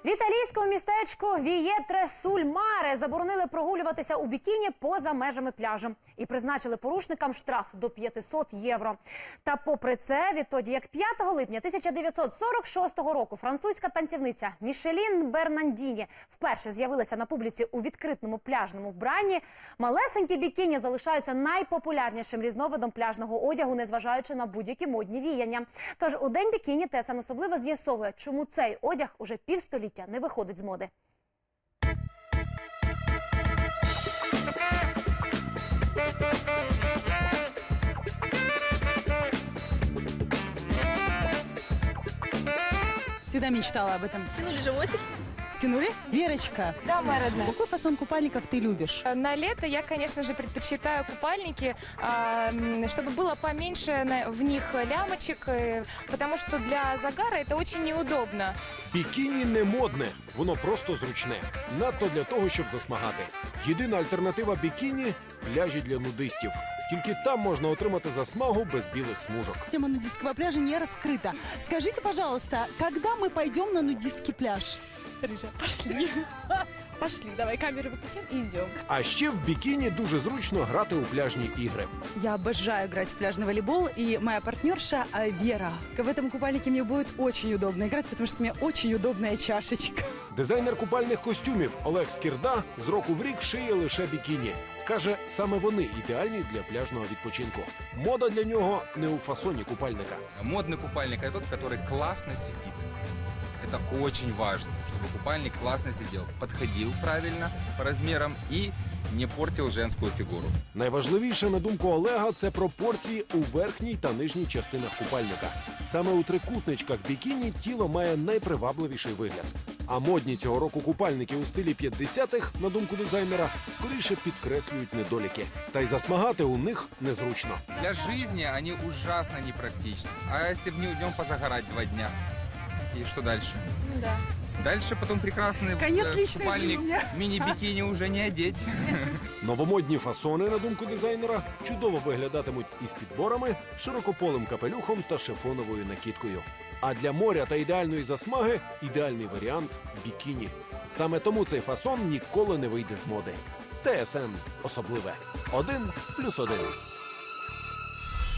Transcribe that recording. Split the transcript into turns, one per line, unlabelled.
В італійському містечку Вієтре-суль-Маре заборонили прогулюватися у бікіні поза межами пляжу. І призначили порушникам штраф до 500 євро. Та попри це, відтоді як 5 липня 1946 року французька танцівниця Мішелін Бернандіні вперше з'явилася на публіці у відкритому пляжному вбранні, малесенькі бікіні залишаються найпопулярнішим різновидом пляжного одягу, незважаючи на будь-які модні віяння. Тож у День бікіні ТСН особливо з'ясовує, чому цей одяг уже півстоліття не виходить з моди.
Всегда мечтала об этом.
Тянули животик?
Тянули? Верочка,
Да, моя родная.
какой фасон купальников ты любишь?
На лето я, конечно же, предпочитаю купальники, чтобы было поменьше в них лямочек, потому что для загара это очень неудобно.
Бікіні не модне, воно просто зручне. Надто для того, щоб засмагати. Єдина альтернатива бікіні – пляжі для нудистів. Тільки там можна отримати засмагу без білих смужок.
Тема нудистского пляжа не раскрыта. Скажите, пожалуйста, когда мы пойдем на нудистский пляж?
Рыжа, пошли. Пошли, давай камеру выключим и идем.
А ще в бікіні дуже зручно грати у пляжні ігри.
Я обожаю играть в пляжный волейбол, и моя партнерша Вера. В этом купальнике мне будет очень удобно играть, потому что у меня очень удобная чашечка.
Дизайнер купальних костюмів Олег Скірда з року в рік шиє лише бікіні. Каже, саме вони ідеальні для пляжного відпочинку. Мода для нього не у фасоні купальника.
Модный купальник – это тот, который классно сидит. Это очень важно, чтобы купальник классно сидел, подходил правильно по размерам и не портил женскую фигуру.
Найважливіше, на думку Олега, це пропорції у верхній та нижній частинах купальника. Саме у трикутничках бікіні тіло має найпривабливіший вигляд. А модні цього року купальники у стилі 50-х, на думку дизайнера, скоріше підкреслюють недоліки. Та й засмагати у них незручно.
Для жизни они ужасно непрактичны. А если в днем позагорать 2 дня? И что дальше?
Ну да.
Дальше потом прекрасный
Конец личной
купальник,
жизни.
мини-бикини уже не одеть.
Новомодні фасони, на думку дизайнера, чудово виглядатимуть із підборами, широкополим капелюхом та шифоновою накидкою. А для моря та ідеальної засмаги – ідеальний варіант – бікіні. Саме тому цей фасон ніколи не вийде з моди. ТСН особливе. 1+1.